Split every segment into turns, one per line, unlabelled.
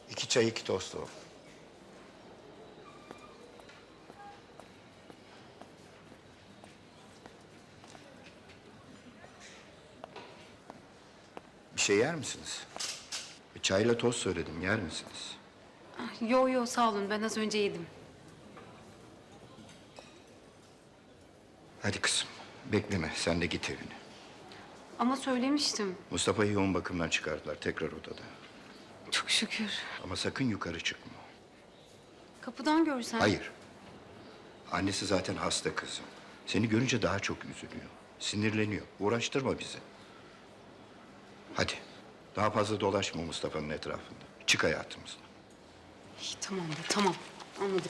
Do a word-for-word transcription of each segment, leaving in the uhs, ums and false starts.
İki çay, iki tost o. Bir şey yer misiniz? E, çayla tost söyledim, yer misiniz?
Yo yo sağ olun, ben az önce yedim.
Hadi kızım, bekleme. Sen de git evine.
Ama söylemiştim.
Mustafa'yı yoğun bakımdan çıkardılar, tekrar odada.
Çok şükür.
Ama sakın yukarı çıkma.
Kapıdan görsen.
Hayır. Annesi zaten hasta kızım. Seni görünce daha çok üzülüyor. Sinirleniyor. Uğraştırma bizi. Hadi. Daha fazla dolaşma Mustafa'nın etrafında. Çık hayatımızdan.
İyi, tamam be tamam. Anladık.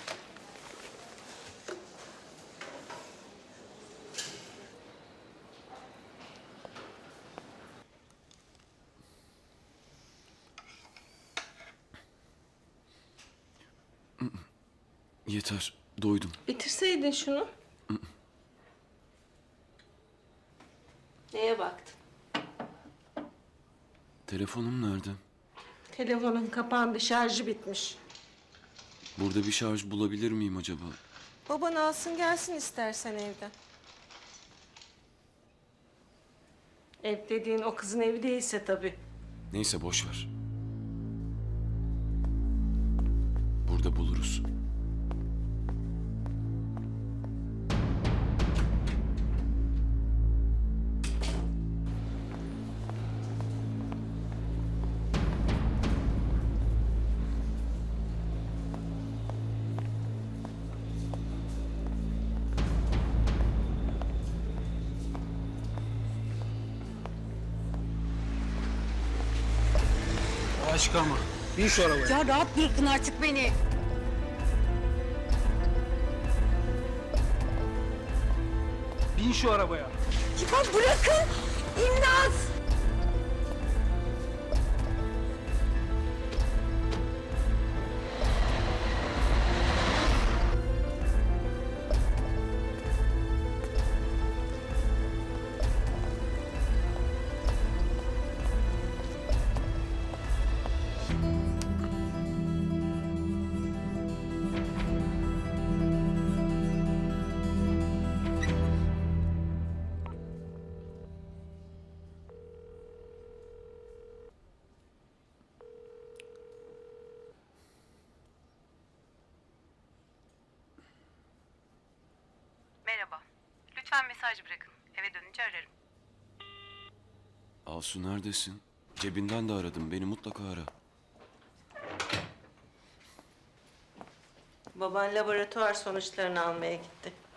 Yeter, doydum.
Bitirseydin şunu. Neye baktın?
Telefonum nerede?
Telefonun kapandı, şarjı bitmiş.
Burada bir şarj bulabilir miyim acaba?
Baban alsın gelsin istersen evden. Ev dediğin o kızın evi değilse tabii.
Neyse boş ver. Burada buluruz.
Aşk ama. Bin şu arabaya.
Ya rahat bırakın artık beni.
Bin şu arabaya.
Ya bırakın. İmdat.
Merhaba. Lütfen mesaj bırakın. Eve dönünce ararım.
Asu neredesin? Cebinden de aradım. Beni mutlaka ara.
Baban laboratuvar sonuçlarını almaya gitti.